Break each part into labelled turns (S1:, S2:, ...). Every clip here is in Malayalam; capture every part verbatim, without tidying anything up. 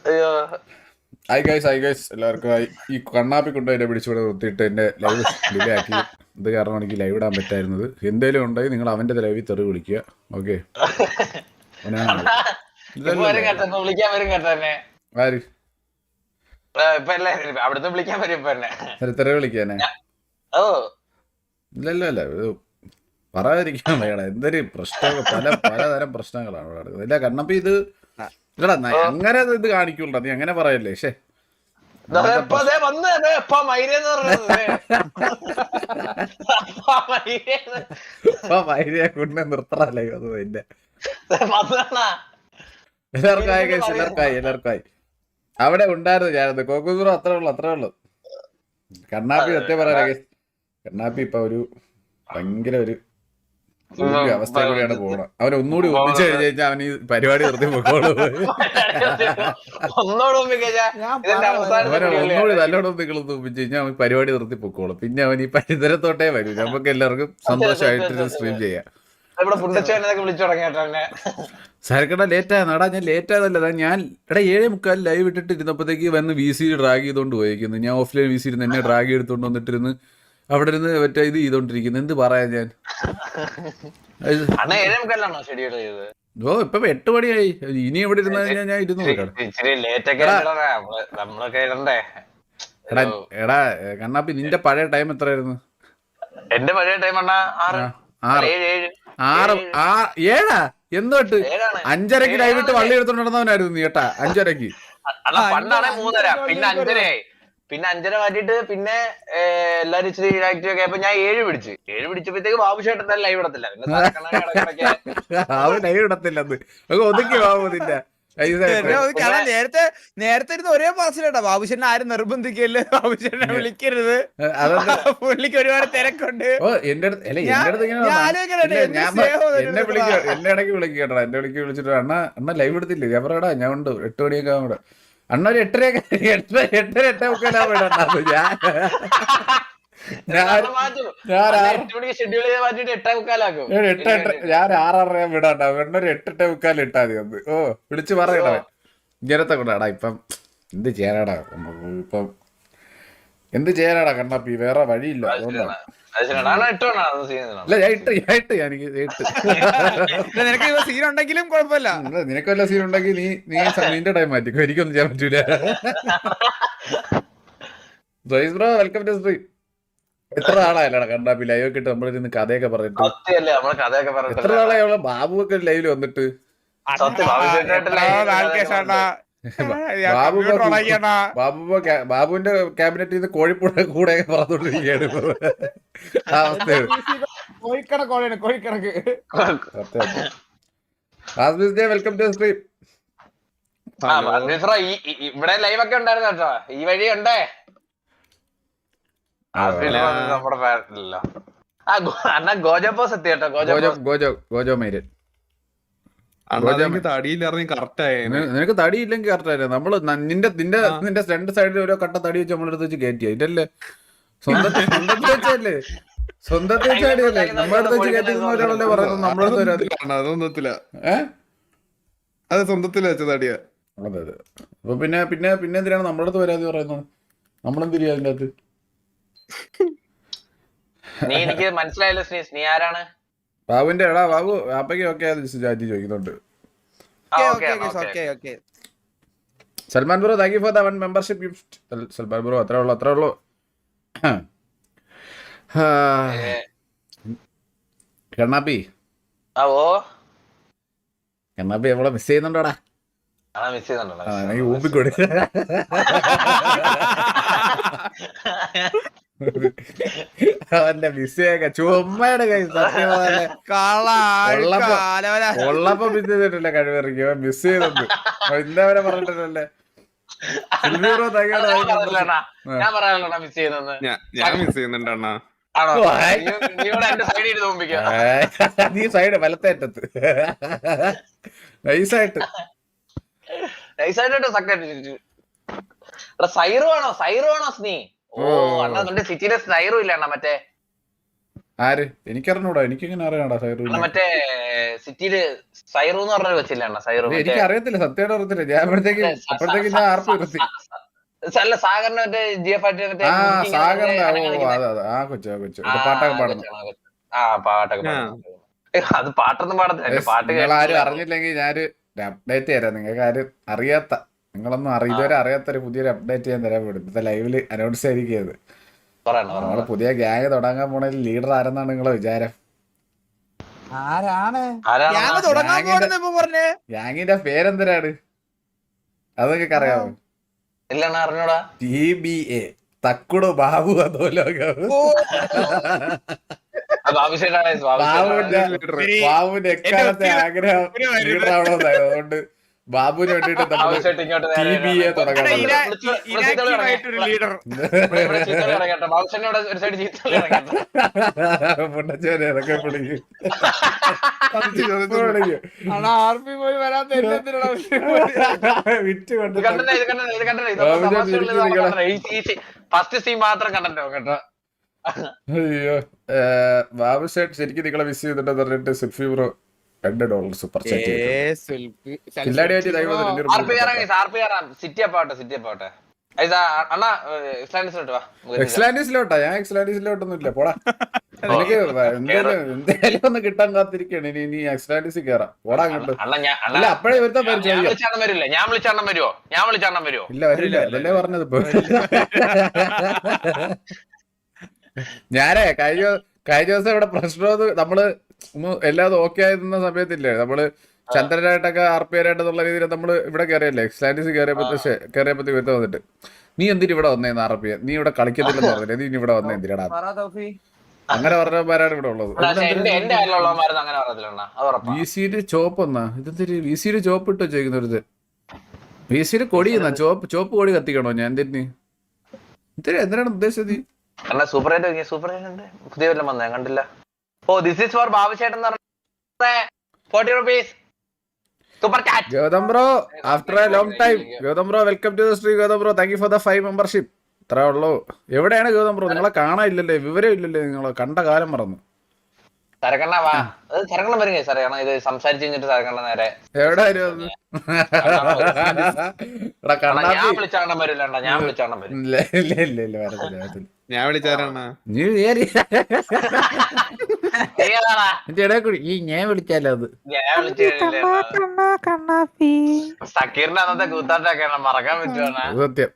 S1: ഹായ് ഗൈസ് ഹായ് ഗൈസ് എല്ലാവർക്കും ഹായ്. ഈ കണ്ണാപ്പി കൊണ്ട് എന്നെ പിടിച്ചുകൂടെ നിർത്തിയിട്ട് എൻ്റെ ലൈവ് ഡിലേ ആക്കി. ഇത് കാരണം എനിക്ക് ലൈവ് ഇടാൻ പറ്റായിരുന്നത്. എന്തേലും ഉണ്ടെങ്കിൽ നിങ്ങൾ അവൻ്റെ ലൈവിൽ തെറി വിളിക്കുക. ഓക്കെ ആര് തെറി വിളിക്കാനെ? ഇല്ലല്ല അല്ല ഇത് പറയാതിരിക്കാൻ വേണം. എന്തൊരു പ്രശ്നങ്ങൾ, പല പലതരം പ്രശ്നങ്ങളാണ് ഇവിടെ നടക്കുന്നത്. ഇല്ല കണ്ണപ്പി ഇത് ഇല്ലടാ അങ്ങനെ ഇത് കാണിക്കുള്ളൂ. നീ അങ്ങനെ പറയല്ലേ. ശേ കൊണ്ട് നിർത്തറല്ലേ അത് എന്റെ എല്ലാവർക്കായി കഴിച്ച് എല്ലാവർക്കായി എല്ലാവർക്കായി അവിടെ ഉണ്ടായിരുന്നു ഞാനത് കോക്കൂസുറോ അത്രേ ഉള്ളു അത്രേ ഉള്ളു. കണ്ണാപ്പി സത്യം പറയാ കണ്ണാപ്പി ഇപ്പൊ ഒരു ഭയങ്കര ഒരു അവസ്ഥ കൂടിയാണ് പോകണം. അവൻ ഒന്നുകൂടി ഒന്നിച്ചു കഴിഞ്ഞു കഴിഞ്ഞാൽ അവൻ ഈ പരിപാടി നിർത്തി പോയിക്കോളൂ. അവനെ ഒന്നുകൂടി നല്ലോണം നിങ്ങൾ ഒന്നിച്ചു കഴിഞ്ഞാൽ അവൻ പരിപാടി നിർത്തി പൊക്കോളും. പിന്നെ അവൻ ഈ പരിസരത്തോട്ടേ വരും. നമുക്ക് എല്ലാവർക്കും സന്തോഷമായിട്ട് സ്ട്രീം ചെയ്യാം. സാരക്കട ലേറ്റ് ആയ നടാ. ഞാൻ ലേറ്റ് ആയതല്ല, ഞാൻ എടാ ഏഴേ മുക്കാൽ ലൈവ് ഇട്ടിട്ട് ഇരുന്നപ്പോഴത്തേക്ക് വന്ന് വി സി ഡ്രാഗ് ചെയ്തോണ്ട് പോയിരിക്കുന്നു. ഞാൻ ഓഫ്ലൈൻ വി സി ഇരുന്ന് എന്നെ ഡ്രാഗ് എടുത്തോണ്ട് വന്നിട്ടിരുന്ന് അവിടെ ഇരുന്ന് മറ്റേ ഇത് ചെയ്തോണ്ടിരിക്കുന്നു. എന്ത് പറയാ ഞാൻ. ഓ ഇപ്പൊ എട്ട് മണിയായി. ഇനി എവിടെ ഇരുന്ന ഞാൻ ഇരുന്നു എടാ കണ്ണാപ്പി നിന്റെ പഴയ ടൈം എത്രയായിരുന്നു?
S2: എന്റെ പഴയ ടൈം
S1: ആറ് ആ ഏഴാ എന്തൊട്ട് അഞ്ചരക്ക് ലൈവിട്ട് വള്ളി എടുത്തോണ്ട് നടന്നവനായിരുന്നു നീ കേട്ടാ. അഞ്ചരക്ക്
S2: പണ്ടാണെ മൂന്നര പിന്നെ അഞ്ചരയായി പിന്നെ അഞ്ചര മാറ്റിട്ട് പിന്നെ എല്ലാരും ഇച്ചിരി ആക്റ്റീവ് ഒക്കെ ആയപ്പോ ഞാൻ ഏഴ് പിടിച്ച് ഏഴ് പിടിച്ചപ്പോഴത്തേക്ക് ബാബുശേട്ടൻ തന്നെ ലൈവ് ഇടത്തില്ല.
S1: അവൻ ലൈവ് ഇടത്തില്ലെന്ന് ഒതുക്കി ബാബു നിന്റെ
S3: നേരത്തെ നേരത്തെ ഇരുന്ന് ഒരേ പാസിലേട്ടാ. ബാബുശേട്ടനെ ആരും നിർബന്ധിക്കല്ലേ, ബാബുശേട്ടനെ വിളിക്കരുത്, പുള്ളിക്ക് ഒരുപാട് തിരക്കുണ്ട്.
S1: ഓ എന്റെ അടുത്ത് എന്നെ വിളിക്കുക എന്നെ ഇടയ്ക്ക് വിളിക്കുക കേട്ടോ. എന്നെ വിളിക്ക് വിളിച്ചിട്ട് അണ്ണ അണ്ണ ലൈവ് എടുത്തില്ലേ? ഞാൻ പറയടാ ഞാൻ ഉണ്ട് എട്ട് മണിയൊക്കെ ആവുമ്പോ അണ്ണ ഒരു എട്ടരയൊക്കെ എട്ടര എട്ടര എട്ടേ മുക്കാലാവുമ്പോ ഞാൻ ഞാൻ ആറര വിടാണ്ടാ. എണ്ണൊരു എട്ടെട്ടേ മുക്കാൽ ഇട്ടാ മതി ഒന്ന്. ഓ വിളിച്ച് പറയടാ ഇങ്ങനത്തെ കൊണ്ടാടാ. ഇപ്പം എന്ത് ചെയ്യാനാടാ ഇപ്പം എന്ത് ചെയ്യാനാടാ കണ്ണാപ്പി, വേറെ വഴിയില്ല. അതുകൊണ്ടാണ്
S3: നിനക്ക് സീൻ ഉണ്ടെങ്കിലും കുഴപ്പമില്ല.
S1: നിനക്ക് വല്ല സീൻ ഉണ്ടെങ്കിൽ നീ നീ നിന്റെ ടൈം മാറ്റിക്കോ, എനിക്കൊന്നും ചെയ്യാൻ പറ്റൂല. Bro welcome to stream. എത്ര നാളായല്ലാണ് കണ്ണാപ്പി ലൈവ് ഒക്കെ ഇട്ട് നമ്മളിരുന്ന് കഥയൊക്കെ പറഞ്ഞിട്ട്? എത്ര നാളായുള്ള ബാബു ഒക്കെ ലൈവില് വന്നിട്ട്? ബാബുവിന്റെ ക്യാബിനറ്റിൽ നിന്ന് കോഴിപ്പുഴ കൂടെ പറഞ്ഞോണ്ടിരിക്കുകയാണ് ആ അവസ്ഥയാണ്. Welcome to stream.
S2: ഇവിടെ ലൈവ് ഒക്കെ ഉണ്ടായിരുന്നു കേട്ടോ. ഈ വഴി ഉണ്ടേ നമ്മുടെ ഗോജോ പോസ് എത്തി കേട്ടോ. ഗോജോ
S1: ഗോജോ ഗോജോ മൈരൻ നിനക്ക് തടിയില്ലെങ്കിൽ കറക്റ്റ് ആയിരുന്നു. നമ്മള് നിന്റെ നിന്റെ നിന്റെ രണ്ട് സൈഡിൽ ഓരോ കട്ട തടി വെച്ച് നമ്മളെടുത്ത് വെച്ച് കയറ്റി. ഇതല്ലേ സ്വന്തത്തിൽ സ്വന്തത്തിൽ വെച്ചല്ലേ സ്വന്തത്തിൽ വെച്ചാടിയല്ലേ നമ്മളെടുത്ത് വെച്ച് കയറ്റിക്കുന്നവരാണല്ലേ പറയുന്നത്. നമ്മളെടുത്ത്
S4: അത് സ്വന്തത്തിൽ വെച്ച തടിയാ.
S1: അതെ അതെ. അപ്പൊ പിന്നെ പിന്നെ പിന്നെ എന്തിനാണ് നമ്മളടുത്ത് വരാതെ പറയുന്നത്? നമ്മളെന്തിരിയാ അതിന്റെ അകത്ത്?
S2: നീ എനിക്ക് മനസ്സിലായല്ലോ സ്നീസ്, നീ ആരാണ്?
S1: ബാബുവിന്റെ എടാ ബാബു അപ്പയ്ക്ക് ഒക്കെ ചാറ്റി ചോദിക്കുന്നുണ്ട്. Salman bro thank you for the one membership gift. Salman bro അത്രേ ഉള്ളു അത്രേ ഉള്ളു. കണ്ണാപ്പി കണ്ണാപ്പി നമ്മളെ മിസ് ചെയ്യുന്നുണ്ടോടാ? ഊപ്പിക്കൊടു. അവന്റെ മിസ്സേക്ക ചുമ്മയുടെ കൈ ഉള്ളപ്പോ മിസ് ചെയ്തിട്ടില്ല. കഴിവറിക്കോ മിസ് ചെയ്തത് ഇന്നവരെ പറഞ്ഞിട്ടില്ലല്ലേ. നീ സൈഡ് വലത്തേറ്റത്ത് നൈസായിട്ട്
S2: സൈറു ആണോ? സൈറു ആണോ സ്നീ? ഓ അണ്ണാ സിറ്റിയിലെ സൈറു ഇല്ല അണ്ണാ മറ്റേ
S1: ആര് എനിക്കറിഞ്ഞൂടാ, എനിക്കിങ്ങനെ അറിയാണ്ടാ സൈറു.
S2: മറ്റേ സിറ്റിയില് സൈറു എന്ന് പറഞ്ഞൊരു വെച്ചില്ല സൈറു.
S1: എനിക്ക് അറിയത്തില്ല, സത്യമായിട്ട് അറിയത്തില്ല. ഞാൻ അപ്പോഴത്തേക്ക് അപ്പോഴത്തേക്ക് ഞാൻ ആർപ്പ് നിർത്തി.
S2: അല്ല സാഗറിന്റെ മറ്റേ ജി എഫ് ആയിട്ട് മറ്റേ
S1: ആ
S2: മുറുക്കി ഇങ്ങനെ
S1: സാഗറിന്റെ ഓ
S2: അനങ്ങാതിരിക്കുന്നെ.
S1: അതെ അതെ ആ കൊച്ചു ആ കൊച്ചു
S2: ആ,
S1: പാട്ടൊക്കെ
S2: ആ
S1: പാടുന്നു.
S2: കൊച്ചാണ്, ആ കൊച്ച്. ആ പാട്ടൊക്കെ പാടുന്നു. അത് പാട്ടൊന്നും പാടത്തില്ല, എന്റെ പാട്ട്
S1: നിങ്ങൾ ആരും
S2: കേട്ടിട്ടില്ല.
S1: അറിഞ്ഞില്ലെങ്കിൽ ഞാനൊരു അപ്ഡേറ്റ് തരാം. നിങ്ങൾക്ക് ആരും അറിയാത്ത, നിങ്ങളൊന്നും അറി ഇതുവരെ അറിയാത്തൊരു പുതിയൊരു അപ്ഡേറ്റ് ഞാൻ തരാൻ വേണ്ടി ഇന്നത്തെ ലൈവില് അനൗൺസ് ആയിരിക്കുന്നത്.
S2: പറയണം,
S1: നമ്മള്
S2: പറയണം.
S1: പുതിയ ഗ്യാങ് തുടങ്ങാൻ പോണതിൽ ലീഡർ ആരെന്നാണ് നിങ്ങളെ വിചാരം?
S3: ആരാണ്
S2: ആരാണ്
S3: ഞാൻ തുടങ്ങാൻ പോണെന്ന് ഇപ്പൊ പറഞ്ഞേ?
S1: ഗ്യാങ്ങിന്റെ പേരെന്തരാണ് അത് നിങ്ങൾക്ക് അറിയാമോ?
S2: ഇല്ലെന്ന് അറിഞ്ഞൂടാ.
S1: ടി ബി എ തക്കുടു ബാബു അധോലോകം.
S3: ഓ,
S2: ബാബുശേട്ടാണ്
S1: ബാബുവിന്റെ ബാബുവിന്റെ എക്കാലത്തെ ആഗ്രഹം
S3: ഒരു വരുന്നത്.
S1: ലീഡർ ആവണമെന്നായിരുന്നു. അതുകൊണ്ട് ബാബുവിന് വേണ്ടിട്ട് നമ്മള്
S2: ബാബുശേട്ട് ഇങ്ങോട്ട്
S1: ടി ബി എ തുടങ്ങാൻ
S3: ഇന-
S1: പോകുന്നത്.
S3: ഇ- inactive ആയിട്ടൊരു ലീഡർ.
S2: കേട്ടോ. ബാബുശേട്ടനോട് ഒരു സൈഡ് ചീത്ത
S1: മുണ്ടച്ചോരെ അതൊക്കെ വിളിക്കും
S3: ആണോ ആർമി പോയി വരാത്ത എന്നെ എന്തിനാടാ
S1: വിറ്റ് കൊണ്ട്
S2: കണ്ടേ ഇത് കണ്ടേ ഇത് കണ്ടേ ഫസ്റ്റ് സീൻ മാത്രം കണ്ടോ കേട്ടോ.
S1: അയ്യോ ബാബു ഷേട്ട് ശരിക്കും നിങ്ങളെ മിസ് ചെയ്തിട്ടെന്ന് പറഞ്ഞിട്ട് സിൽഫി ബ്രോ രണ്ട് ഡോളർ സൂപ്പർ ചാറ്റ് കില്ലാടിയായിട്ട് ദൈവം
S2: R P R R P R city അപ്പാവട്ടെ സിറ്റി അപ്പാവട്ടെ അണ്ണാ എക്സ്ലാൻഡിസിലോട്ട് വാ.
S1: എക്സ്ലാൻഡീസിലോട്ടാ. ഞാൻ എക്സ്ലാൻഡീസിലോട്ടൊന്നും ഇല്ല പോടാ. എനിക്ക് എന്തായാലും എന്തായാലും ഒന്ന് കിട്ടാൻ കാത്തിരിക്കാണ്. ഇനി ഇനി എക്സ്ലാൻഡീസിൽ കയറാം. പോടാ അങ്ങോട്ട്.
S2: അണ്ണാ ഞാൻ
S1: അല്ല
S2: അണ്ണാ
S1: അപ്പഴേ ഇവരുടെ പേര്
S2: ഞാൻ
S1: ചോദിക്കാം.
S2: വിളിച്ചാണ്ണം വരില്ല. ഞാൻ വിളിച്ചാണ്ണം വരുവോ? ഞാൻ വിളിച്ചാണ്ണം വരുവോ?
S1: ഇല്ല വരില്ല. അതല്ലേ പറഞ്ഞത് ഇപ്പൊ. ഞാനേ കഴിഞ്ഞ കഴിഞ്ഞ ദിവസം ഇവിടെ പ്രശ്നം നമ്മള് ഒന്ന് എല്ലാതും ഓക്കെ ആയിരുന്ന സമയത്തില്ലേ നമ്മള് ചന്ദ്രനായിട്ടൊക്കെ ആർ പി ആരായിട്ടെന്നുള്ള രീതിയിൽ നമ്മള് ഇവിടെ കയറിയല്ലേ എക്സ്ലാൻഡീസ് കയറിയപ്പോ കയറിയപ്പോ വരുത്ത വന്നിട്ട് നീ എന്തിന് ഇവിടെ വന്നേന്ന് ആർ പി നീ ഇവിടെ കളിക്കത്തില്ലെന്ന് പറഞ്ഞില്ലേ, നീ ഇനി ഇവിടെ വന്നേ എന്തിനാടാ അങ്ങനെ പറഞ്ഞവന്മാരാണ് ഇവിടെ ഉള്ളത്.
S2: എന്റെ എന്റെ അയലുള്ളവന്മാരൊന്നും അങ്ങനെ പറയത്തില്ല അണ്ണാ. അത് ഉറപ്പാ.
S1: വി സിയില് ചോപ്പ് എന്നാ ഇതെന്തൊരു വി സിയില് ചോപ്പ് ഇട്ട് വെച്ചേക്കുന്നൊരു വി സിയില് കൊടി എന്നാ ചോപ്പ് ചോപ്പ് കൊടി കത്തിക്കണോ ഞാൻ എന്തിന് എന്തിനാ എന്തിനാണ് ഉദ്ദേശിച്ചത് നീ?
S2: അണ്ണാ സൂപ്പർ ഹൈറ്റ് സൂപ്പർ ഹൈറ്റ് ഉണ്ട് പുതിയ വല്ലതും വന്നേ കണ്ടില്ല. ഓ ദിസ് ഈസ് ഫോർ ബാബുശേട്ടൻ എന്ന് പറഞ്ഞ forty rupees super chat.
S1: Gautam bro after a long time Gautam bro welcome to the stream. Gautam bro thank you for the five membership. ഇത്രേ ഉള്ളൂ. എവിടെയാണ് ഗൗതം ബ്രോ? നിങ്ങളെ കാണാനില്ലല്ലേ, വിവരം ഇല്ലല്ലേ, നിങ്ങളെ കണ്ട കാലം മറന്നു.
S2: സരക്കണ്ണ വാ. അത് സരക്കണ്ണ വരുന്നേ സാറേ കാരണം ഇത് സംസാരിച്ച് കഴിഞ്ഞിട്ട് സരക്കണ്ണ നേരെ
S1: എവിടെ വരുന്നത്? എടാ കണ്ണാപ്പി
S2: ഞാൻ വിളിച്ചാണ്ണം വരില്ല അണ്ണാ. ഞാൻ വിളിച്ചാണ്ണം വരും.
S1: ഇല്ല ഇല്ല ഇല്ല ഇല്ല വരത്തില്ല വരത്തില്ല.
S4: ഞാൻ വിളിച്ചാരാണ്
S1: നീ കേറി
S2: നീ ഏതാടാ?
S1: എന്റെ ഇടയിൽ കൂടി ഈ ഞാൻ വിളിച്ചാലോ അത്
S2: ഞാൻ വിളിച്ചു സക്കീറിന്റെ അന്നത്തെ കൂത്താട്ടൊക്കെയാണ് മറക്കാൻ പറ്റുവാണ്.
S1: അത് സത്യം.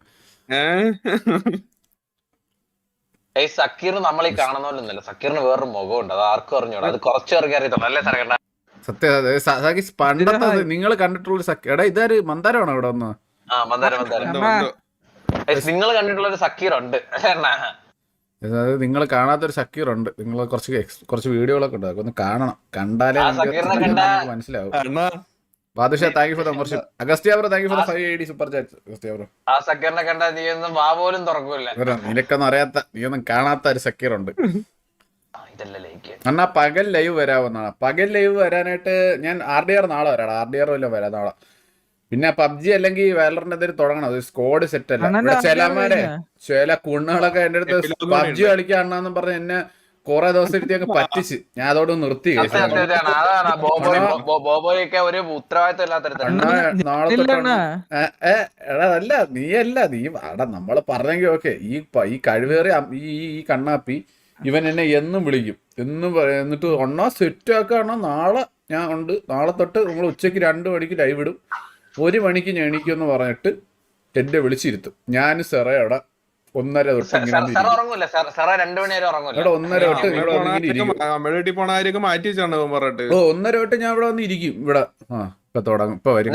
S2: ഈ സക്കീർ നമ്മൾ ഈ കാണുന്ന പോലെ ഒന്നുമില്ല. സക്കീറിന് വേറൊരു മുഖമുണ്ട്. അത് ആർക്കും അറിഞ്ഞൂടാ. അത് കുറച്ചു പേർക്ക് അറിയത്തുള്ളൂ അല്ലേ സരക്കണ്ണ?
S1: സത്യം. പണ്ടത്തെ നിങ്ങൾ കണ്ടിട്ടുള്ള സഖ്യ എടാ ഇതാര് മന്ദാരമാണോ ഇവിടെ ഒന്ന്?
S2: ആ മന്ദാരം മന്ദാരം നിങ്ങൾ കണ്ടിട്ടുള്ള ഒരു സക്കീർ ഉണ്ട് അണ്ണാ.
S1: അതായത് നിങ്ങൾ കാണാത്തൊരു സക്കീർ ഉണ്ട്. നിങ്ങൾ കുറച്ച് ex- കുറച്ച് വീഡിയോകളൊക്കെ ഉണ്ട്, അതൊക്കെ ഒന്ന് കാണണം. കണ്ടാലേ
S2: ആ
S1: നിങ്ങൾക്ക്
S2: സക്കീറിനെ കണ്ടാ-
S1: നിങ്ങൾക്ക് മനസ്സിലാവും. Badusha thank you for the membership. Agastya bro thank you for the five eighty super chat. Agastya bro
S2: ആ സക്കീറിനെ കണ്ടാ നീ ഒന്നും വാ പോലും തുറക്കൂല.
S1: നിനക്കൊന്നും അറിയാത്ത നീയൊന്നും കാണാത്ത ഒരു സക്കീർ ഉണ്ട്.
S2: ഇതല്ലേ ലൈക്ക്
S1: എന്നാ പകൽ ലൈവ് വരാവുന്നതാണ്. പകൽ ലൈവ് വരാനായിട്ട് ഞാൻ ആർ ഡി ആർ നാളെ വരാം. ആർ ഡി ആർ വല്ലതും വരാം നാളെ. പിന്നെ പബ്ജി അല്ലെങ്കിൽ വേലറിന്റെ എന്തെങ്കിലും തുടങ്ങണം. അത് സ്കോഡ് സെറ്റ് അല്ല. ഇവിടെ ചിലമാരെ ചില കുണ്ണുകളൊക്കെ എന്റെ അടുത്ത് പബ്ജി കളിക്കാണെന്നും പറഞ്ഞ് എന്നെ കൊറേ ദിവസം എടുത്ത് അങ്ങ് പറ്റിച്ച് ഞാൻ അതോട് നിർത്തി.
S2: അതാണ് ബോബോയൊക്കെ ഒരു ഉത്തരവാദിത്തം ഇല്ലാത്തരുത്താണ്.
S1: നാളെ തൊട്ടാണ് എടാ അല്ല നീയല്ല നീ എടാ നമ്മള് പറഞ്ഞെങ്കിൽ ഓക്കെ. ഈ ഈ കഴിവേറിയ ഈ ഈ കണ്ണാപ്പി ഇവൻ എന്നെ എന്നും വിളിക്കും എന്നും എന്നിട്ട് ഒന്നാ സെറ്റ് ആക്കാണോ നാളെ ഞാൻ ഉണ്ട്. നാളെ തൊട്ട് നമ്മൾ ഉച്ചയ്ക്ക് രണ്ട് മണിക്ക് ലൈവ് ഇടും. ഒരു മണിക്ക് ഞാൻ എണീക്കുമെന്ന് പറഞ്ഞിട്ട് എന്നെ വിളിച്ചിരുത്തും. ഞാൻ സെറ അവിടെ ഒന്നര തൊട്ട് ഇങ്ങനെ ഇവിടെ ഒന്നര തൊട്ട് ഇവിടെ വന്നിങ്ങനെ ഇരിക്കും.
S4: വീട്ടിൽ പോണാരൊക്കെ മാറ്റി വെച്ചാണ് പറഞ്ഞിട്ട്
S1: ഓ ഒന്നര തൊട്ട് ഞാൻ ഇവിടെ വന്ന് ഇരിക്കും. ഇവിടെ ആ ഇപ്പൊ തുടങ്ങും. ഇപ്പൊ വരും.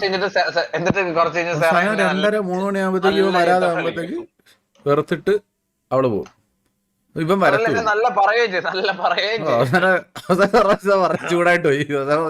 S1: രണ്ടര മൂന്ന് മണി ആകുമ്പോഴത്തേക്ക് ഇവ വരാതെ ആകുമ്പോഴത്തേക്ക് വെറുത്തിട്ട് അവള് പോകും. ഇപ്പം വരത്തില്ല.
S2: നല്ല പറയുകയും നല്ല പറയുകയും
S1: ചൂടായിട്ട് പോയി.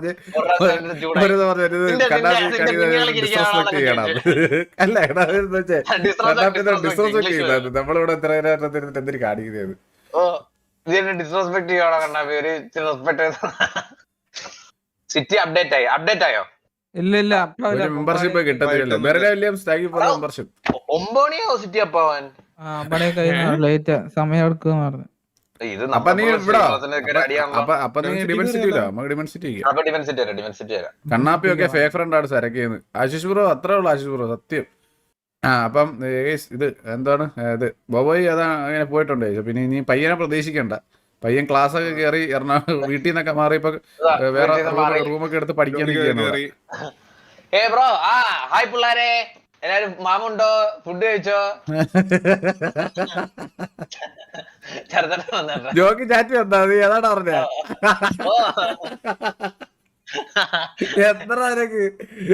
S1: ഡിസ്റെസ്പെക്ട് ചെയ്യണം. അല്ല എടാ ഡിസ്റെസ്പെക്ട് ചെയ്യുന്നത് നമ്മളിവിടെ എത്ര നേരം ഇരുന്നിട്ട് എന്തിനു കാണിക്കുന്നത്?
S2: ഡിസ്റെസ്പെക്ട് ചെയ്യണോ കണ്ണാപ്പി? ഒരു റെസ്പെക്ട്. സിറ്റി അപ്ഡേറ്റ് ആയി അപ്ഡേറ്റ് ആയോ?
S3: ഇല്ല ഇല്ല
S1: ഒരു മെമ്പർഷിപ്പ് കിട്ടത്തില്ലല്ലോ. Berla Williams thank you for membership.
S2: ഒമ്പത് മണിയാവും സിറ്റി അപ്പാവാൻ.
S3: ലേറ്റ് സമയം എടുക്കുക പറഞ്ഞു.
S2: ഇത്
S1: അപ്പൊ നീ ഇവിടെ
S2: അടിയാണല്ലോ.
S1: അപ്പൊ അപ്പൊ നീ ഡിമെൻസിറ്റി ഇല്ല നമുക്ക് ഡിമെൻസിറ്റി
S2: അപ്പൊ ഡിഫൻസിറ്റി വരാം ഡിഫൻസിറ്റി വരാം.
S1: കണ്ണാപ്പിയൊക്കെ ഫേക്ക് ഫ്രണ്ട് ആണ് സരക്കുന്നത്. ആശിഷ് ബ്രോ അത്രേ ഉള്ളു ആശിഷ് ബ്രോ സത്യം. ആ അപ്പം ഏസ് ഇത് എന്താണ് ഇത് ബോബോയ് അതാ അങ്ങനെ പോയിട്ടുണ്ട്. പിന്നെ ഇനി പയ്യനെ പ്രതീക്ഷിക്കണ്ട. പയ്യൻ ക്ലാസ് ഒക്കെ കയറി എറണാകുളം വീട്ടിൽ നിന്നൊക്കെ മാറി ഇപ്പൊ വേറെ റൂമൊക്കെ എടുത്ത് പഠിക്കാൻ
S2: ഏ ബ്രോ ആ ഹായ് പിള്ളാരെ എല്ലാരും മാമുണ്ടോ ഫുഡ് കഴിച്ചോ ചെറുതന്നെ വന്നോ
S1: ജോക്കി ചാറ്റി വന്നാ നീ അതാണ് പറഞ്ഞ എത്ര നിനക്ക്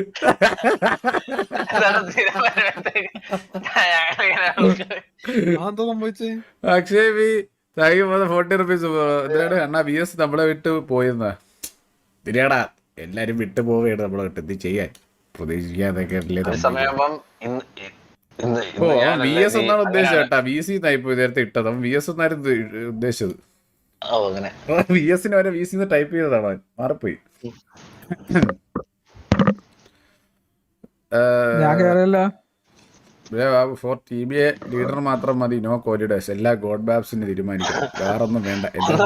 S1: Akshay B thank you forty rupees. എന്തിനാണ് അണ്ണാ ബി എസ് നമ്മളെ വിട്ട് പോയെന്നാ തിരിയാടാ എല്ലാരും വിട്ടു പോവുകയാണ് നമ്മളെ വിട്ട് എന്ത് ചെയ്യാൻ പ്രതീക്ഷിക്കാതൊക്കെ ഓ ബി എസ് എന്നാണ് ഉദ്ദേശിച്ചത് കേട്ടാ. ബി സി എന്നായിപ്പോ നേരത്തെ ഇട്ടത് അവൻ ബി എസ് എന്നായിരുന്നു ഉദ്ദേശിച്ചത്. ബി എസിന് വരെ ബി സി ടൈപ്പ് ചെയ്തതാണ് അവൻ മാറിപ്പോയി. For T B A leader മാത്രം മതി നോ കോരിഡേഴ്സ് എല്ലാ ഗോഡ് ബാബ്സിന് തീരുമാനിക്കണം വേറൊന്നും വേണ്ട.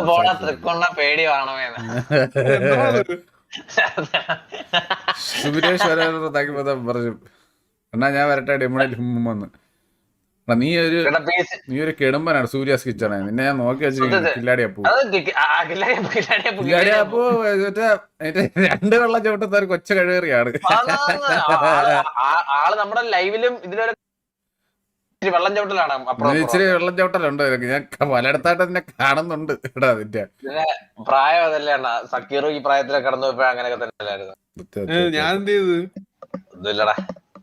S1: സുരേഷ് വരാൻ പറഞ്ഞു എന്നാ ഞാൻ വരട്ടെ ഡെമോണിൽ വന്ന്. നീ ഒരു നീ ഒരു കെടുമ്പനാണ് സൂര്യാസ് കിച്ചണേ. നിന്നെ ഞാൻ നോക്കി വെച്ചിരിക്കുന്നു കില്ലാടി അപ്പൂ. കില്ലാടി അപ്പൂ രണ്ട് വെള്ളം ചവിട്ടുന്ന ഒരു കൊച്ച കഴിവേറിയാണ്.
S2: ആള് നമ്മുടെ ലൈവിലും ഇതിലൊരു വെള്ളം ചവിട്ടലാണ്.
S1: ഇച്ചിരി വെള്ളം ചവിട്ടലുണ്ട് ഞാൻ പലയിടത്തായിട്ട് നിന്നെ കാണുന്നുണ്ട് ഇവിടെ. അതിന്റെ
S2: പ്രായം അതല്ലേ അണ്ണാ. സക്കീറും ഈ പ്രായത്തിലൊക്കെ കടന്നു പോയപ്പോ അങ്ങനെയൊക്കെ തന്നെ അല്ലായിരുന്നു.
S4: ഞാൻ എന്ത് ചെയ്തു
S2: ഒന്നുമില്ലടാ.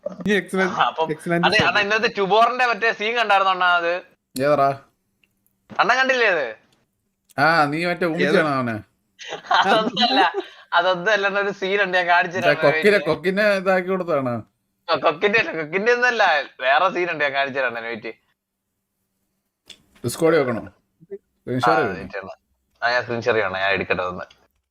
S2: അണ്ണാ ഇന്നത്തെ ട്യൂബോറിന്റെ മറ്റേ സീൻ കണ്ടായിരുന്നു അണ്ണാ? അത്
S1: ഏതാ
S2: അണ്ണൻ കണ്ടില്ലേ അത്?
S1: ആ നീ മറ്റേ ഊമിച്ചാണോ അവനെ?
S2: അതൊന്നുമല്ല അതൊന്നും അല്ല ഒരു സീൻ ഉണ്ട് ഞാൻ കാണിച്ചു.
S1: കൊക്കിനെ കൊക്കിനെ ഇതാക്കി കൊടുത്താണ്.
S2: കൊക്കിന്റെ കൊക്കിന്റെ ഒന്നല്ല വേറെ സീൻ ഉണ്ട് ഞാൻ കാണിച്ചു തരാം. വെയിറ്റ്
S1: ഡിസ്കോഡ് വെക്കണോ?
S2: ഞാൻ സ്ക്രീൻഷെയർ ചെയ്യണം. ഞാൻ എടുക്കട്ടെ ഒന്ന്.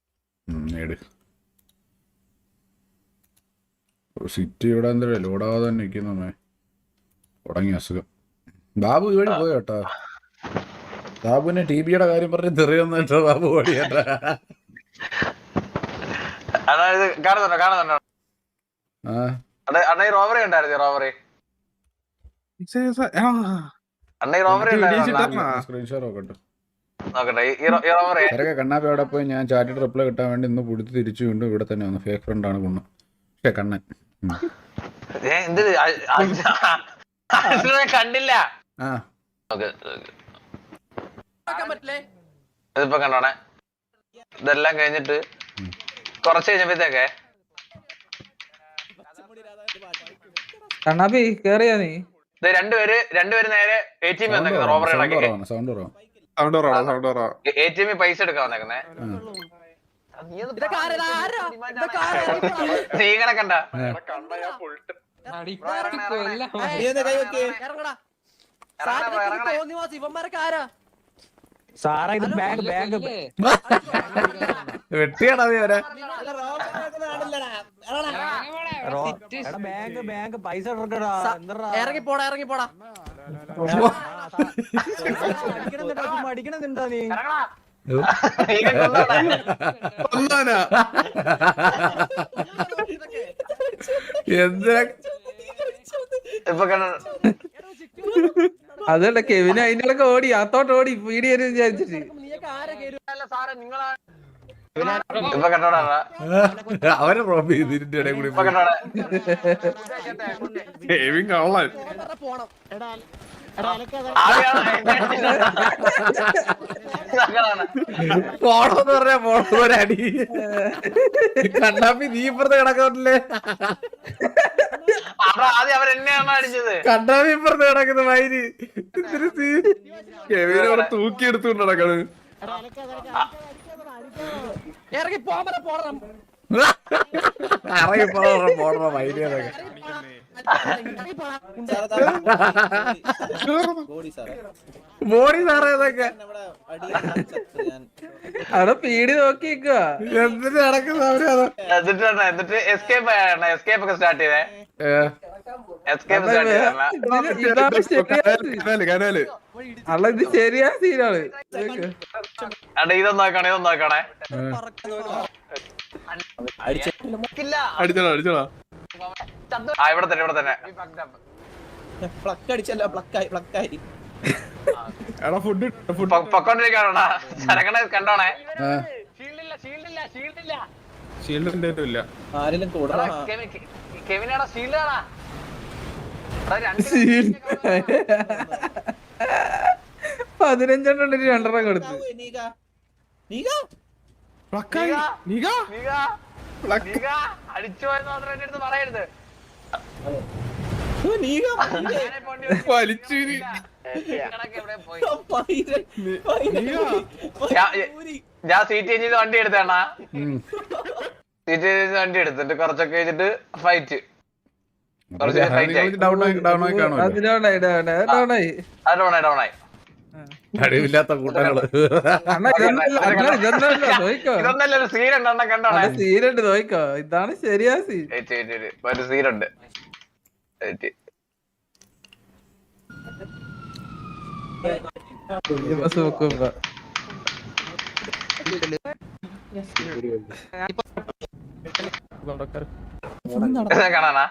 S1: സിറ്റി ഇവിടെ എന്താ ലോഡാവാതെ തന്നെ നിൽക്കുന്നേ. തുടങ്ങി അസുഖം. ബാബു ഇവിടെ പോയോ കേട്ടാ? ബാബുവിനെ ടി ബിയുടെ കാര്യം പറഞ്ഞ് തെറിയൊന്നും കേട്ടോ ബാബു ഓടിയേട്ടാ.
S2: കാണുന്നുണ്ടോ കാണുന്നുണ്ടോ? അണ്ണ ഈ റോബറി ഉണ്ടായിരുന്നു. റോബറി അണ്ണ ഈ റോബറി
S1: സ്ക്രീൻഷോട്ട് നോക്കട്ടെ.
S2: നോക്കട്ടെ
S1: കണ്ണാപ്പി അവിടെ പോയി ഞാൻ ചാറ്റിട്ട് റിപ്ലൈ കിട്ടാൻ വേണ്ടി ഇന്ന് പുടുത്തി തിരിച്ചു വീണ്ടും ഇവിടെ തന്നെ വന്നു. ഫേക്ക് ഫ്രണ്ട് ആണ് കുണ്ണ. പക്ഷേ കണ്ണൻ
S2: കണ്ടില്ല. ഇതിപ്പോ കണ്ടോണേ. ഇതെല്ലാം കഴിഞ്ഞിട്ട് കൊറച്ച് കഴിഞ്ഞപ്പോഴത്തേക്കെ
S3: കണ്ണാപ്പി കേറിയാ നീ?
S2: രണ്ടുപേര് രണ്ടുപേര് നേരെ എ ടി എം വന്നേക്കുന്നത്. റോബറി എ ടി എമ്മിൽ പൈസ എടുക്കാൻ വന്നേക്കുന്നേ. നീ കണക്കണ്ട
S1: വെട്ടിയാടാ നീ വരെ.
S5: ഇറങ്ങി പോടാ ഇറങ്ങി പോടാ. അടിക്കണെന്നുണ്ടോ നീ?
S1: എന്തിനാ
S3: അതല്ല കെവിന് അതിന്റെ ഇടയ്ക്ക് ഓടി അത്തോട്ട് ഓടി വീഡിയോ വിചാരിച്ചിട്ട്.
S1: അവരെ റോബ് ചെയ്ത് ഇതിന്റെ ഇടയിൽ കൂടി പോണോന്ന് പറഞ്ഞാ പോണോ ഒരടി. കണ്ണാപ്പി നീ ഇപ്പുറത്ത് കിടക്കുന്നില്ലേ?
S2: ആദ്യം അവരെന്നെയാണ് അടിച്ചത്.
S1: കണ്ണാപ്പി ഇപ്പുറത്ത് കിടക്കുന്ന വൈര്
S4: തൂക്കി എടുത്തുകൊണ്ട് നടക്കണ്.
S5: ഇറങ്ങി പോകാൻ പോടണം.
S1: ഇറങ്ങി പോണോ പോണോ വൈര്. ബോഡി സാറേ ഇതൊക്കെ
S3: അവിടെ പീടി നോക്കി നിക്കുക.
S1: എന്തിട്ട് നടക്കുന്ന അവരത്
S2: എന്നിട്ട് പറഞ്ഞ, എന്നിട്ട് എസ്കേപ്പ് ആയാണ് എസ്കേപ്പ് ഒക്കെ സ്റ്റാർട്ട് ചെയ്തേ എസ്കേപ്പ് സ്റ്റാർട്ട് ചെയ്തേ
S3: ഇതാണ് ശരിയാ
S4: കനാല് കനാല്
S3: അല്ല, ഇത് ശരിയാ സീനാണ്.
S2: അണ്ട ഇതൊന്നും നോക്കണേ ഇതൊന്നും നോക്കണേ ഇല്ല.
S4: അടിച്ചോളാ അടിച്ചോളാ
S2: ആ ഇവിടെ തന്നെ ഇവിടെ തന്നെ
S4: എടാ ഫുഡ് ഫുഡ്
S2: പൊ- പൊക്കോണ്ടിരിക്കാണോടാ ചരക്കണ കണ്ടോണേ ഷീൽഡില്ല ഷീൽഡില്ല ഷീൽഡില്ല
S4: ഷീൽഡ് എന്റെ ഇല്ല
S2: എടാ, കെവി- കെ- കെവിനാടാ ഷീൽഡാടാ
S3: പതിനഞ്ചെണ്ണം ഉണ്ടെങ്കിൽ രണ്ടെണ്ണം കൊടുത്തു.
S4: പ്ലക്കായി നീക
S2: അടിച്ചു പോയെന്ന് മാത്രം എന്റെ അടുത്ത് പറയരുത്
S4: വലിച്ചു
S2: കണക്ക് എവിടെ പോയി? ഞാൻ- ഞാൻ സീറ്റ് ചേഞ്ച് ചെയ്ത് വണ്ടി എടുത്തേണ സീറ്റ് ചെയ്ത് വണ്ടി എടുത്തിട്ട് കുറച്ചൊക്കെ വെച്ചിട്ട് ഫൈറ്റ് കുറച്ച് ഫൈറ്റ് ആയി
S1: ഡൗൺ ആയി ഡൗൺ ആയി കാണുമല്ലോ.
S3: അത് ഡൗണായി ഡൗണായി ഡൗണായി.
S2: അത് ഡൗണായി ഡൗണായി
S1: കഴിവില്ലാത്ത കൂട്ടങ്ങള്.
S3: അണ്ണാ ഇതൊന്നല്ല, അണ്ണാ ഇതൊന്നല്ല, നോയിക്കോ.
S2: ഇതൊന്നല്ല ഒരു സീൻ ഉണ്ട് എണ്ണം കണ്ടോണേ
S3: അത് സീനുണ്ട്, നോയിക്കോ. ഇതാണ് ശരിയാ സീൻ.
S2: വെയിറ്റ് വെയിറ്റ് വെയിറ്റ് ഒരു സീനുണ്ട് വെയിറ്റ്
S3: ഇപ്പൊ സൂക്കും ഇപ്പൊ.
S2: കാണാനാ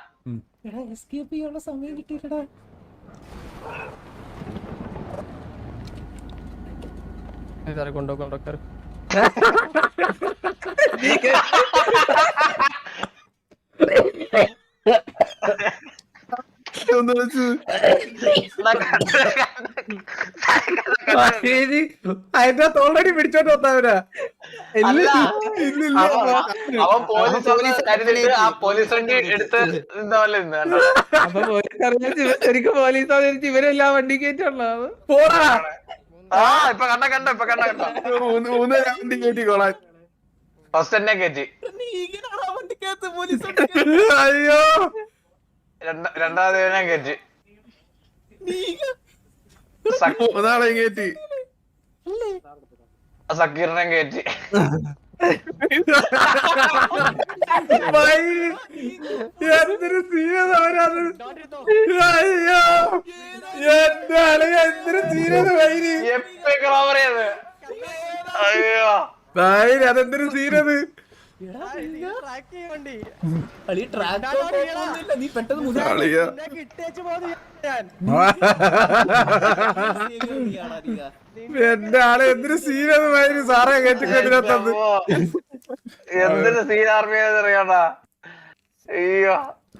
S5: കൊണ്ടോ കൊണ്ടോക്കാർ
S4: ഒന്ന് വിളിച്ചു
S1: അതിന്റെ ഓൾറെഡി പിടിച്ചോണ്ട് വന്നവരാ.
S2: അല്ല, അവൻ- അവൻ പോലീസ് കരുതിട്ട് ആ പോലീസ് വണ്ടി എടുത്ത് നിന്ന പോലെ നിന്ന് കണ്ടോ?
S3: അപ്പൊ പോലീസ് അറിയാൻ ഇവൻ ശരിക്കും പോലീസ് അറിയിച്ച് ഇവരെല്ലാം വണ്ടി കയറ്റുള്ളത്.
S1: പോടാ.
S2: ആ ഇപ്പൊ കണ്ട കണ്ടോ ഇപ്പൊ കണ്ട കണ്ടോ
S4: മൂന്ന് മൂന്ന് വണ്ടി കയറ്റി കൊള്ളാൻ
S2: ഫസ്റ്റ് തന്നെ കയറ്റി
S1: അയ്യോ
S2: രണ്ട- രണ്ടാമത് ഞാൻ കയറ്റി സക്ക്-
S4: മൂന്നാളെ കയറ്റി
S2: സക്കീറിനെ കയറ്റി
S1: എന്തൊരു സീരിയസ് അവരത്. അയ്യോ എന്റെ ആളെ എന്തൊരു സീരിയസ് വൈരി
S2: എപ്പിക് റോബറി അത് അയ്യോ
S1: വൈരി അതെന്തൊരു സീരിയസ്.
S4: കളിയാ
S1: എന്റെ ആളെ എന്തൊരു സീരിയസ് വൈരി സാറേ കേട്ടിക്കതിനകത്തത്.
S2: എന്തൊരു സീൻ ആർമി അറിയാണ്ടാ അയ്യോ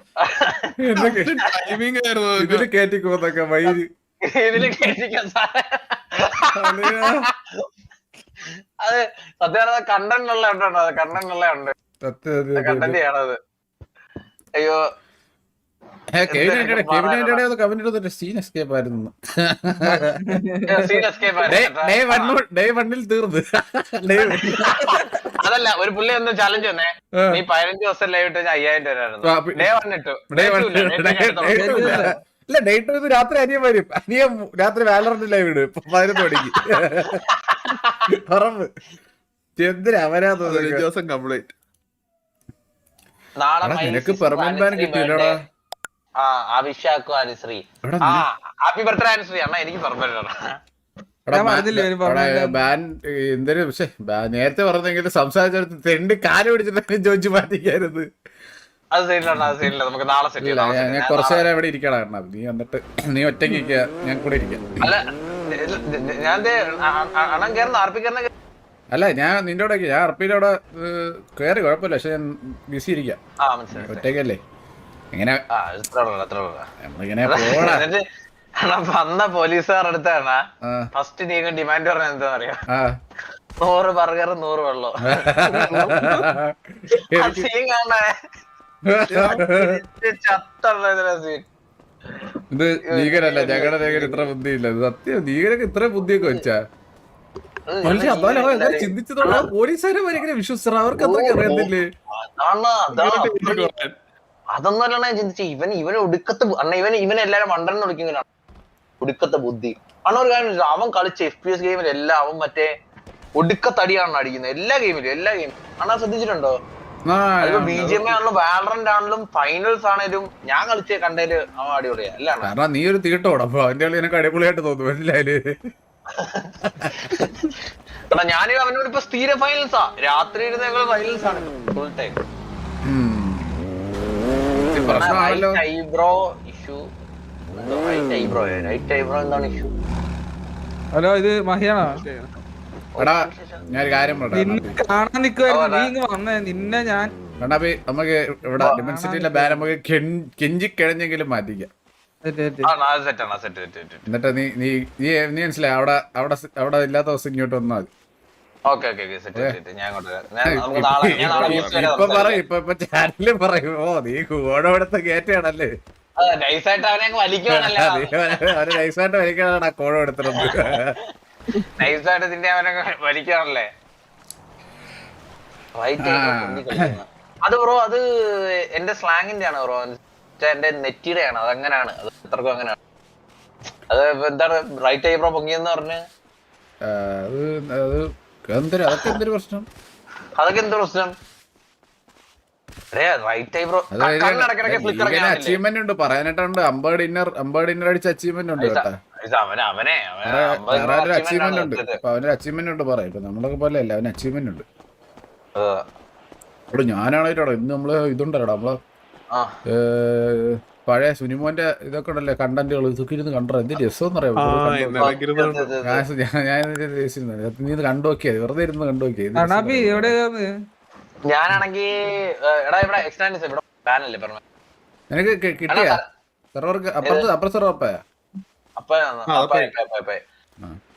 S4: ടൈമിംഗ് ആയിരുന്നു
S1: ഇതില് കേറ്റിക്കോന്നൊക്കെ വൈരി.
S2: ഇതില് കേട്ടിക്കാൻ സാറേ അത് സത്യം പറഞ്ഞാൽ കണ്ടന്റ് ഉള്ള ഉണ്ടോ അത് കണ്ടന്റ് ഉള്ള ഉണ്ട് കണ്ടന്റ് ചെയ്യണത് അയ്യോ
S1: കമന്റ് സീൻ എസ്കേപ്പ് ആയിരുന്നു.
S2: സീൻ എസ്കേപ്പ്
S1: ഡേ വണ്ണിൽ തീർന്ന്.
S2: അതല്ല ഒരു പുള്ളി ഒന്ന് ചാലഞ്ച് വന്നേ നീ പതിനഞ്ച് ദിവസം ലൈവ് ഇട്ട് അയ്യായിരം രൂപ ഡേ വണ്ണിട്ടു
S1: ഇല്ല ഡേറ്റ് ഇത് രാത്രി അനിയൻ വരും. അനിയൻ രാത്രി വാലറിന്റെ ലൈവ് ഇടും പതിനൊന്ന് മണിക്ക് ഉറപ്പ്. എന്തിനാ അവരാ തോന്നുന്നു.
S4: ദിവസം കംപ്ലീറ്റ്
S2: നാളെ
S1: നിനക്ക് പെർമനന്റ് ബാൻ കിട്ടിയല്ലോടാ.
S2: ആ അഭിഷാക്കും അനുശ്രീ ആ ഹാപ്പി ബർത്ത്ഡേ അനുശ്രീ അണ്ണാ എനിക്ക് പെർമനന്റ്
S1: ബാൻ എന്തൊരു പക്ഷെ നേരത്തെ പറഞ്ഞെങ്കിൽ സംസാരിച്ചെടുത്ത് തെണ്ട് കാല് പിടിച്ചിട്ട് ചോദിച്ചു മാറ്റിക്കാരുത്.
S2: അത് സീനിലാണ് അത് സീനില്ല നമുക്ക് നാളെ സെറ്റ്
S1: ഞാൻ കുറച്ചു നേരം ഇവിടെ ഇരിക്കണം കാരണം നീ വന്നിട്ട് നീ ഒറ്റയ്ക്ക് ഇരിക്കുക ഞാൻ കൂടെ ഇരിക്കാം.
S2: അല്ല ഞാൻ അണ്ണൻ കയറുന്ന ആർപ്പിക്കറിനെ
S1: അല്ല ഞാൻ നിന്റെ കൂടെ ഞാൻ അർപ്പിയുടെ അവിടെ കയറി കുഴപ്പമില്ല പക്ഷെ ഞാൻ ബിസി ഇരിക്കാം
S2: ആ മനസ്സിലായി
S1: ഒറ്റയ്ക്കല്ലേ എങ്ങനെ
S2: ആ ഇത്ര ഉള്ളൂ അത്ര ഉള്ളൂ
S1: നമ്മളിങ്ങനെ പോടാ.
S2: എന്നിട്ട് അണ്ണാ വന്ന പോലീസുകാർ അടുത്താണ്
S1: ആ
S2: ഫസ്റ്റ് നീങ്ങ ഡിമാൻഡ് പറഞ്ഞത് എന്താ പറയാ
S1: ആ
S2: നൂറ് ബർഗർ നൂറ് വെള്ളം സീൻ കാണേ ചത്തുള്ള സീൻ
S1: ഇത് നീകരല്ല ഞങ്ങളുടെ നീകൻ ഇത്ര ബുദ്ധിയില്ല ഇത് സത്യം നീകരൊക്കെ ഇത്ര ബുദ്ധിയൊക്കെ വെച്ചാ ചിന്തിച്ചതോടെ പോലീസുകാരെ വരെ വിശ്വസിച്ചാ അവർക്ക് അത്രയ്ക്ക് അറിയത്തില്ലേ.
S2: അതൊന്നും അല്ല ഞാൻ ചിന്തിച്ചു. ഇവൻ ഇവന് ഒടുക്കത്തെ അണ്ണ ഇവൻ ഇവനെ എല്ലാരും മണ്ടൻ വിളിക്കുന്നതാണ് ഒടുക്കത്തെ ബുദ്ധി. അണ്ണ ഒരു കാര്യം, അവൻ കളിച്ച എഫ് പി എസ് ഗെയിമിൽ എല്ലാം അവൻ മറ്റേ ഒടുക്കത്തടിയാണ് അടിക്കുന്നത്. എല്ലാ ഗെയിമിലും എല്ലാ ഗെയിമിലും അണ്ണാ ശ്രദ്ധിച്ചിട്ടുണ്ടോ? ബി ജി എം ആണെങ്കിലും വാലറന്റ് ആണെങ്കിലും ഫൈനൽസ് ആണെങ്കിലും ഞാൻ കളിച്ച കണ്ടേല് അവൻ അടിപൊളിയാ. അല്ല
S1: കാരണം നീ ഒരു തീട്ടോടാ, അപ്പൊ അവന്റെ കളി എനിക്ക് അടിപൊളിയായിട്ട് തോന്നുന്നു. മനസ്സിലായാല്
S2: എടാ ഞാനും അവനോട് ഇപ്പൊ സ്ഥിര ഫൈനൽസാ, രാത്രി ഇരുന്ന് ഞങ്ങൾ ഫൈനൽസ് ആണ് full time. Eyebrow issue eyebrow right eyebrow എന്താണ് ഇഷ്യൂ?
S6: ഹലോ, ഇത് മഹിയാണോ?
S1: എടാ ഞാനൊരു കാര്യം
S6: നിന്നെ കാണാൻ നിക്കുവായിരുന്നു, നീ ഇങ്ങ് വന്നേ. നിന്നെ ഞാൻ
S1: കണ്ണാപ്പി നമുക്ക് ഇവിടെ ഡിമെൻസിറ്റിയിലെ ബാൻ നമുക്ക് കെഞ്ചി കിഴഞ്ഞെങ്കിലും മാറ്റിക്കാം. എന്നിട്ട് നീ നീ നീ നീ മനസ്സിലായി അവിടെ അവിടെ അവിടെ ഇല്ലാത്ത ദിവസം ഇങ്ങോട്ട് വന്നാൽ മതി. ഇപ്പൊ പറയും, ഇപ്പൊ ഇപ്പൊ ചാനലിൽ പറയും, ഓ നീ കോഴോടത്തെ കേറ്റാണല്ലേ, അവര് നൈസായിട്ട് വലിക്കാനാണ് കോഴ എടുത്തിരുന്നത്.
S2: നൈസായിട്ട് ഇതിന്റെ അവനൊക്കെ വലിക്കാണല്ലേ. അത് ബ്രോ അത് എന്റെ സ്ലാങ്ങിന്റെ ആണ് ബ്രോ, എന്റെ നെറ്റിയുടെ ആണ്. അതങ്ങനെയാണ്, അത് എത്രക്കും അങ്ങനെയാണ്. അത് എന്താണ് റൈറ്റ് ഐ ബ്രോ പൊങ്ങിയെന്ന് പറഞ്ഞ്
S1: അതൊക്കെ എന്തൊരു പ്രശ്നം,
S2: അതൊക്കെ എന്ത് പ്രശ്നം?
S1: അച്ചീവ്മെന്റ് ഉണ്ട് പറയാനായിട്ടുണ്ട്. അമ്പേർഡ് ഇന്നർ അമ്പേർഡ് ഇന്നർ അടിച്ച അച്ചീവ്മെന്റ് ഉണ്ട് കേട്ടോ.
S2: അവനെ
S1: വേറെ അച്ചീവ്മെന്റ് ഉണ്ട്. അപ്പൊ അവനൊരു അച്ചീവ്മെന്റ് ഉണ്ട് പറയാം. ഇപ്പൊ നമ്മളൊക്കെ പോലെ അല്ല, അവന് അച്ചീവ്മെന്റ് ഉണ്ട്. ഇവിടെ ഞാനാണോ ഇന്ന് നമ്മള് ഇതുണ്ടല്ലോ നമ്മള് പഴയ സുനിമോന്റെ ഇതൊക്കെ ഉണ്ടല്ലേ കണ്ടന്റുകൾ, ഇതൊക്കെ ഇരുന്ന് കണ്ടോ എന്ത് രസം അറിയാം. ഞാൻ നീ ഇത് കണ്ടു നോക്കിയത്, വെറുതെ ഇരുന്ന് കണ്ടു നോക്കിയത്.
S2: ഞാനാണെങ്കി എടാ ഇവിടെ എക്സ്റ്റാൻഡ് ഇവിടെ പാനല്ലേ പറഞ്ഞു.
S1: നിനക്ക് കിട്ടിയ സെർവർക്ക് അപ്പുറത്ത് അപ്പുറത്ത് സെർവർ
S2: അപ്പ